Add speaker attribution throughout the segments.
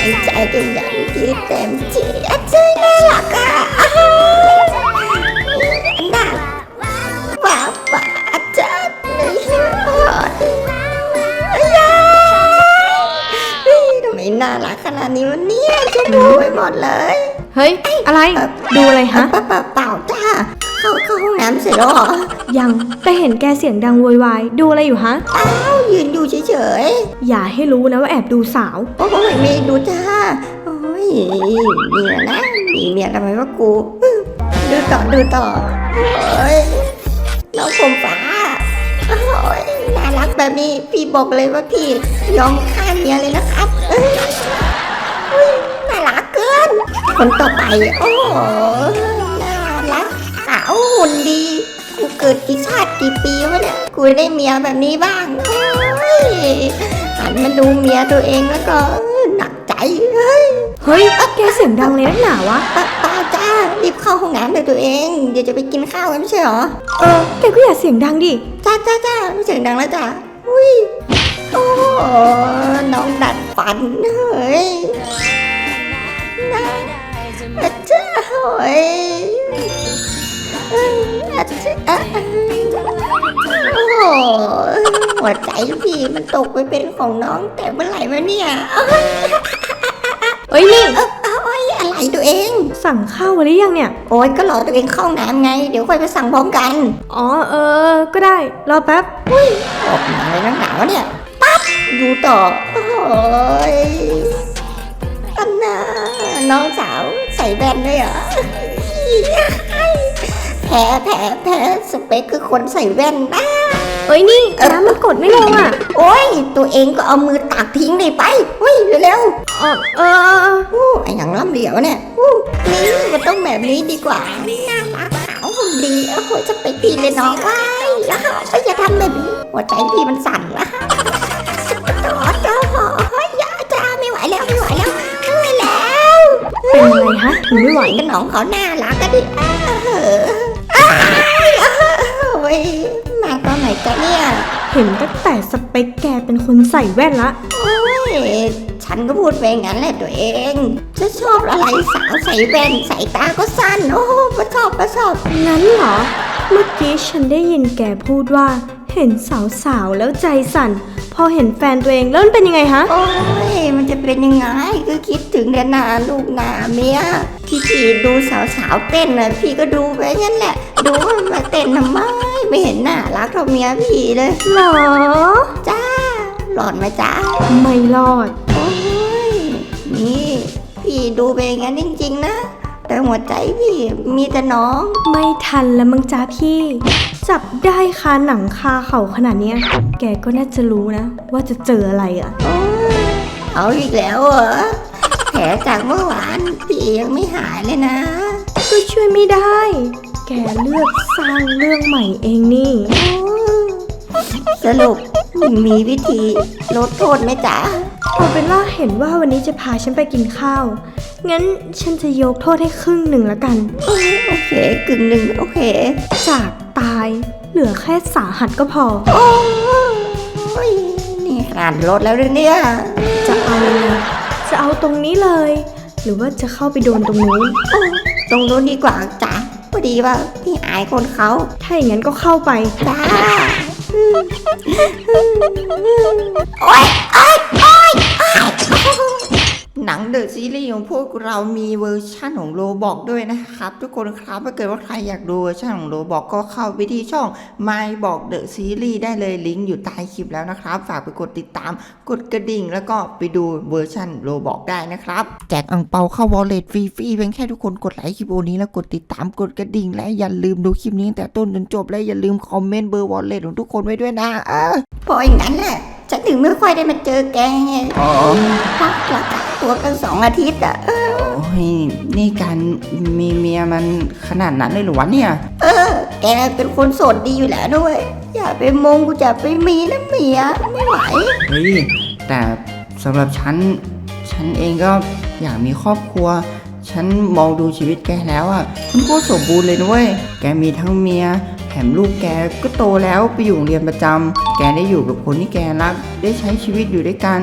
Speaker 1: ใจกันอย่างที่เต็มที่ใจน่ารักอ่ะน่าบ้าจัดเลยทำไมน่ารักขนาดนี้วะเนี่ยชมพูไปหมดเลย
Speaker 2: เฮ้ยอะไรดูอะไรฮะ
Speaker 1: เปล่าจ้าเข้าห้องน้ำเสร็จแล้วเหรอ
Speaker 2: ยังแต่เห็นแกเสียงดังโวยวายดูอะไรอยู่ฮะ
Speaker 1: อ้าวยืนดูเฉย
Speaker 2: ๆอย่าให้รู้นะว่าแอบดูสาว
Speaker 1: โอ้ยไม่ดูจ้าโอ้ยเนี่ยนะมีเมียทำไมวะกูดูต่อโอ้ยน้องผมฟ้าโอ้ยน่ารักแบบนี้พี่บอกเลยว่าพี่ยอมฆ่าเมียเลยนะครับน่ารักเกินคนต่อไปโอ้น่ารักขาวหุ่นดีกูเกิดกี่ชาติกี่ปีวะเนี่ยกูได้เมียแบบนี้บ้างหันมาดูเมียตัวเองแล้วก็หนักใจ
Speaker 2: เฮ้ยแกเสียงดังเลยนักหนาวะ
Speaker 1: ป้าจ้ารีบเข้าห้องน้ำเลยตัวเองเดี๋ยวจะไปกินข้าวกันไม่ใช่หรอ
Speaker 2: แกก็อย่าเสียงดังดิ
Speaker 1: จ้าไม่เสียงดังแล้วจ้าอุ้ยโอ้น้องดัดฟันเฮ้ยน่าจ้าเฮ้ยโอ้หัวใจพี่มันตกไปเป็นของน้องแต่เมื่อไหร่วะเนี่ย
Speaker 2: เฮ้ยนี่
Speaker 1: อะไรตัวเอง
Speaker 2: สั่งข้าวหรือยังเนี่ย
Speaker 1: โอ๊ยก็รอตัวเองเข้าน้ำไงเดี๋ยวค่อยไปสั่งพร้อมกัน
Speaker 2: อ๋อก็ได้รอแป๊บ
Speaker 1: ออกมาเลยนักหนาวเนี่ยปั๊บดูต่อโอ้ยอันน่ะน้องสาวใส่แว่นด้วยเหรอแพ้สเปคคือคนใส่แว่นนะ
Speaker 2: เฮ้ยนี่น้ำมันกดไม่ลงอ่ะ
Speaker 1: โอ๊ยตัวเองก็เอามือตักทิ้งเลยไปเฮ้ยเร็วไอ้อย่างล้ำเหลียวเนี่ยนี่มันต้องแบบนี้ดีกว่าน่ารักขาวหุ่นดีโอ้โหจะไปพี่เลยน้องว้ายแล้วก็จะทำแบบนี้หัวใจพี่มันสั่นละอย่าจ้าไม่ไหวแล้ว
Speaker 2: เป็นอะไรฮะถึงไม่ไหว
Speaker 1: กันน้องเขาน่ารักกันดิโอ้ยมาตอนไหนกันเนี่ย
Speaker 2: เห็นตั้งแต่สเปคแกเป็นคนใส่แว่นละ
Speaker 1: โอ้ยฉันก็พูดไปงั้นแหละตัวเองจะชอบอะไรสาวใส่แว่นใส่ตาก็สั้นโอ้ประชอบ
Speaker 2: งั้นเหรอเมื่อกี้ฉันได้ยินแกพูดว่าเห็นสาวแล้วใจสั่นพอเห็นแฟนตัวเองแล้วมันเป็นยังไงฮะ
Speaker 1: โอ้ยมันจะเป็นยังไงก็คิดถึงแต่หน้าลูกหน้าเมียที่พี่ดูสาวเต้นน่ะพี่ก็ดูไปงั้นแหละดูมาเต้นทำไมไม่เห็นน่ารักเท่าเมียพี่เลย
Speaker 2: หรอ
Speaker 1: จ้าหลอดไหมจ้า
Speaker 2: ไม่รอด
Speaker 1: โอ้ยนี่พี่ดูไปงั้นจริงๆนะแต่หัวใจพี่มีแต่น้อง
Speaker 2: ไม่ทันแล้วมั้งจ้าพี่จับได้คาหนังคาเข่าขนาดเนี้ยแกก็น่าจะรู้นะว่าจะเจออะไรอ่ะ
Speaker 1: เอาอีกแล้วเหรอแผลจากเมื่อวานพี่ยังไม่หายเลยนะ
Speaker 2: ก็ช่วยไม่ได้แกเลือกสร้างเรื่องใหม่เองนี่
Speaker 1: สรุปมีวิธีลดโทษไหมจ๊ะ
Speaker 2: เอาเป็นว่าเห็นว่าวันนี้จะพาฉันไปกินข้าวงั้นฉันจะยกโทษให้ครึ่งหนึ่งละกัน
Speaker 1: โอเคกึ่งหนึ่งโอเค
Speaker 2: จากตายเหลือแค่สาหัสก็พอ
Speaker 1: โอ้ยนี่ขนาดลดแล้วเนี่ย
Speaker 2: จะเอายังไงจะเอาตรงนี้เลยหรือว่าจะเข้าไปโดนตรงนู้น
Speaker 1: ตรงนู้นดีกว่าจ้ะพอดีว่าพี่อายคนเขา
Speaker 2: ถ้าอย่างนั้นก็เข้าไป
Speaker 1: จ้าโอ๊ยหนังเดอะซีรีส์ของพวกเรามีเวอร์ชั่นของโรบอกด้วยนะครับทุกคนครับถ้าเกิดว่าใครอยากดูเวอร์ชั่นของโรบอกก็เข้าไปที่ช่อง My บอกเดอะซีรีส์ได้เลยลิงก์อยู่ใต้คลิปแล้วนะครับฝากไปกดติดตามกดกระดิ่งแล้วก็ไปดูเวอร์ชั่นโรบอกได้นะครับแจกอั่งเปาเข้าวอลเล็ตฟรีๆเพียงแค่ทุกคนกดไลค์คลิปนี้แล้วกดติดตามกดกระดิ่งและอย่าลืมดูคลิปนี้ตั้งแต่ต้นจนจบและอย่าลืมคอมเมนต์เบอร์วอลเล็ตของทุกคนไว้ด้วยนะพออย่างนั้นแหละฉันถึงไม่ค่อยได้มาเจอแกไงพักรักตัวกัน2 อาทิตย์อ่ะ
Speaker 3: โอ้ยนี่การมีเมียมันขนาดนั้นเลยหรอวะเนี่ย
Speaker 1: แกเป็นคนโสดดีอยู่แล้วด้วยอย่าไปมงกูจะไปมีนะเมียไม่ไหว
Speaker 3: เฮ้ยแต่สำหรับฉันเองก็อยากมีครอบครัวฉันมองดูชีวิตแกแล้วอ่ะมันก็สมบูรณ์เลยด้วยแกมีทั้งเมียแถมลูกแกก็โตแล้วไปอยู่โรงเรียนประจำแกได้อยู่กับคนที่แกรักได้ใช้ชีวิตอยู่ด้วยกันฉัน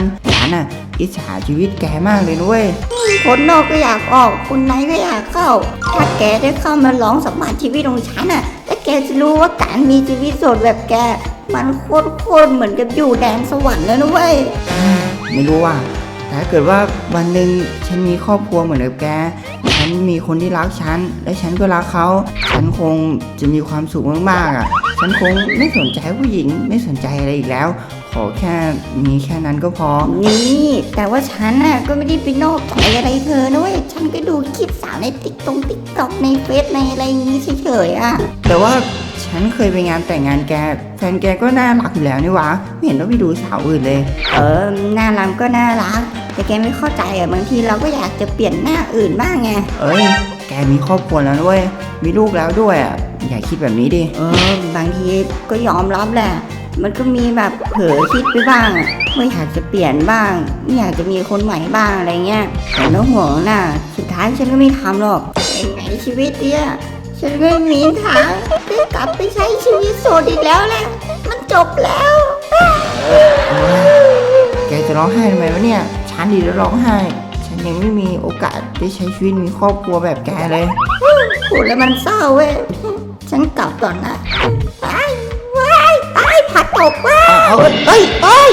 Speaker 3: นน่ะอิจฉาชีวิตแกมากเลยนุ้ย
Speaker 1: คนนอกก็อยากออกคนในก็อยากเข้า ถ้าแกได้เข้ามาลองสัมผัสชีวิตของฉันอ่ะแล้วแกจะรู้ว่าการมีชีวิตโสดแบบแก มันโคตรเหมือนกับอยู่แดนสวรรค์แล้วนะเว้ย
Speaker 3: ไม่รู้ว่าแต่ถ้าเกิดว่าวันหนึ่งฉันมีครอบครัวเหมือนกับแกฉันมีคนที่รักฉันและฉันก็รักเขาฉันคงจะมีความสุขมากๆอ่ะฉันคงไม่สนใจผู้หญิงไม่สนใจอะไรอีกแล้ว ขอแค่มีแค่นั้นก็พอ
Speaker 1: นี่แต่ว่าฉันน่ะก็ไม่ได้ไปนอกใจอะไรเธอนะเว้ย ฉันก็ดูคลิปสาวในติ๊กต็อกในเฟซในอะไรอย่างงี้เฉยๆอ่ะ
Speaker 3: แต่ว่าฉันเคยไปงานแต่งงานแกแฟนแกก็น่ารักอยู่แล้วนี่วะไม่เห็นต้องไปดูสาวอื่นเลย
Speaker 1: น่ารักก็น่ารัก แต่แกไม่เข้าใจอ่ะบางทีเราก็อยากจะเปลี่ยนหน้าอื่นบ้างไง
Speaker 3: เอ้ยแกมีครอบครัวแล้วด้วยมีลูกแล้วด้วยอ่ะอย่าคิดแบบนี้ดิ
Speaker 1: บางทีก็ยอมรับแหละ มันก็มีแบบเผลอคิดไปบ้างอะไม่อยากจะเปลี่ยนบ้างไม่อยากจะมีคนใหม่บ้างอะไรเงี้ยแต่แล้วห่วงน่ะ สุดท้ายฉันก็ไม่ทำหรอกยังไงชีวิตเนี่ยฉันก็ไม่มีทางได้กลับไปใช้ชีวิตโสดอีกแล้วแหละมันจบแล้ว
Speaker 3: แกจะร้องไห้ทำไมวะเนี่ยฉันดีแล้วร้องไห้ฉันยังไม่มีโอกาสได้ใช้ชีวิตมีครอบครัวแบบแกเลย
Speaker 1: พูดแล้วมันเศร้าเว้ยฉันกลับก่อนนะตายผัดตกว่ะ
Speaker 3: เอาเอ้ยเอ้ย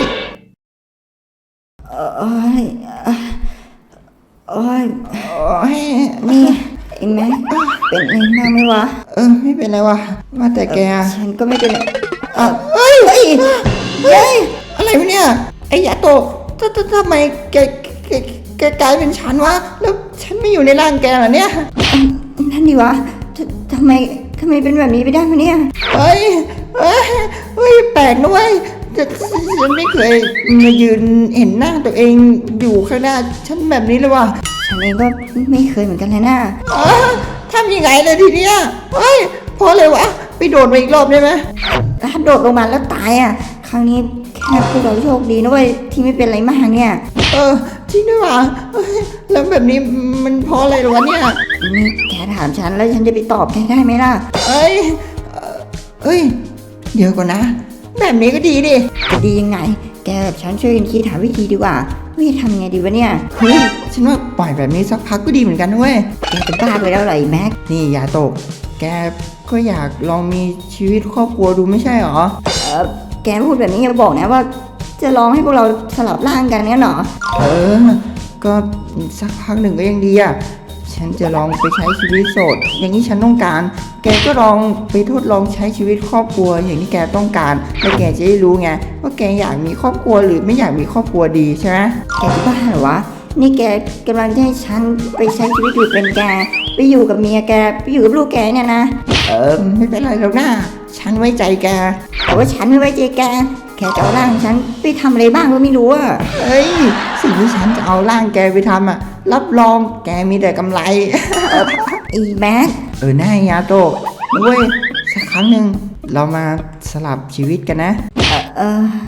Speaker 1: โอ้ยโอ้ย
Speaker 3: โอ้ย
Speaker 1: นี่ไอ้แม็กเป็นอะไรมากไหมวะ
Speaker 3: ไม่เป็นไรวะว่าแต่แก
Speaker 1: ฉันก็ไม่เป็นไร
Speaker 3: เฮ้ยอะไรวะเนี่ยไอ้ยาโตะทำไมแกกลายเป็นฉันวะแล้วฉันไม่อยู่ในร่างแกเหรอเนี่ย
Speaker 1: นั่นดิวะทำไมเป็นแบบนี้ไปได้มาเนี่ย
Speaker 3: เฮ้ยแปลกนะเว้ยฉันไม่เคยมายืนเห็นหน้าตัวเองอยู่ข้างหน้าฉันแบบนี้เลยว่ะ
Speaker 1: ฉันเองก็ไม่เคยเหมือนกันเลยนะ
Speaker 3: ทำยังไงเลยทีเนี้ยเฮ้ยพอเลยวะไปโดดมาอีกรอบได้ไหม
Speaker 1: ถ้าโดดลงมาแล้วตายอ่ะ ครั้งนี้แค่พวกเราโชคดีนะเว้ยที่ไม่เป็นอะไรมากเนี่ย
Speaker 3: จริงด้วยว่ะเฮ้ยแล้วแบบนี้มันเพราะอะไรหรอวะเนี่ย
Speaker 1: นี่แกถามฉันแล้วฉันจะไปตอบแกได้ไหมล่ะ
Speaker 3: เอ้ยเดี๋ยวก่อนนะ แบบนี้ก็ดีดิ
Speaker 1: จะดียังไง แกกับฉันช่วยกันคิดหาวิธีดีกว่าว่าจะทำไงดีวะเนี่ย
Speaker 3: เฮ้ยฉันว่าปล่อยแบบนี้สักพักก็ดีเหมือนกันนะเว้ย
Speaker 1: แกจะบ้าไปแล้วเหรอไอ้แม็ก
Speaker 3: นี่อย่าตก แกก็อยากลองมีชีวิตครอบครัวดูไม่ใช่หรอ
Speaker 1: แกพูดแบบนี้อย่าบอกนะว่า จะลองให้พวกเราสลับร่างกันเนี่ยหรอ
Speaker 3: ก็สักพักหนึ่งก็ยังดีอ่ะ ฉันจะลองไปใช้ชีวิตโสด อย่างที่ฉันต้องการ แกก็ลองไปทดลองใช้ชีวิตครอบครัวอย่างที่แกต้องการแล้วแกจะได้รู้ไงว่าแกอยากมีครอบครัวหรือไม่อยากมีครอบครัวดีใช่ไหม
Speaker 1: แกจะบ้าเหรอวะ นี่แกกำลังจะให้ฉันไปใช้ชีวิตอยู่เป็นแก ไปอยู่กับเมียแก ไปอยู่กับลูกแกเนี่ยนะ
Speaker 3: ไม่เป็นไรหรอกนะฉันไว้ใจแก
Speaker 1: แต่ว่าฉันไม่ไว้ใจแก แกจะเอาร่างฉันไปทำอะไรบ้างก็ไม่รู้อะ
Speaker 3: เฮ้ย สิ่งที่ฉันจะเอาร่างแกไปทำอ่ะ รับรองแกมีแต่กำไร
Speaker 1: ไอ้แม็ก
Speaker 3: หน้ายาโตะนะเว้ยสักครั้งหนึ่งเรามาสลับชีวิตกันนะ
Speaker 1: เออ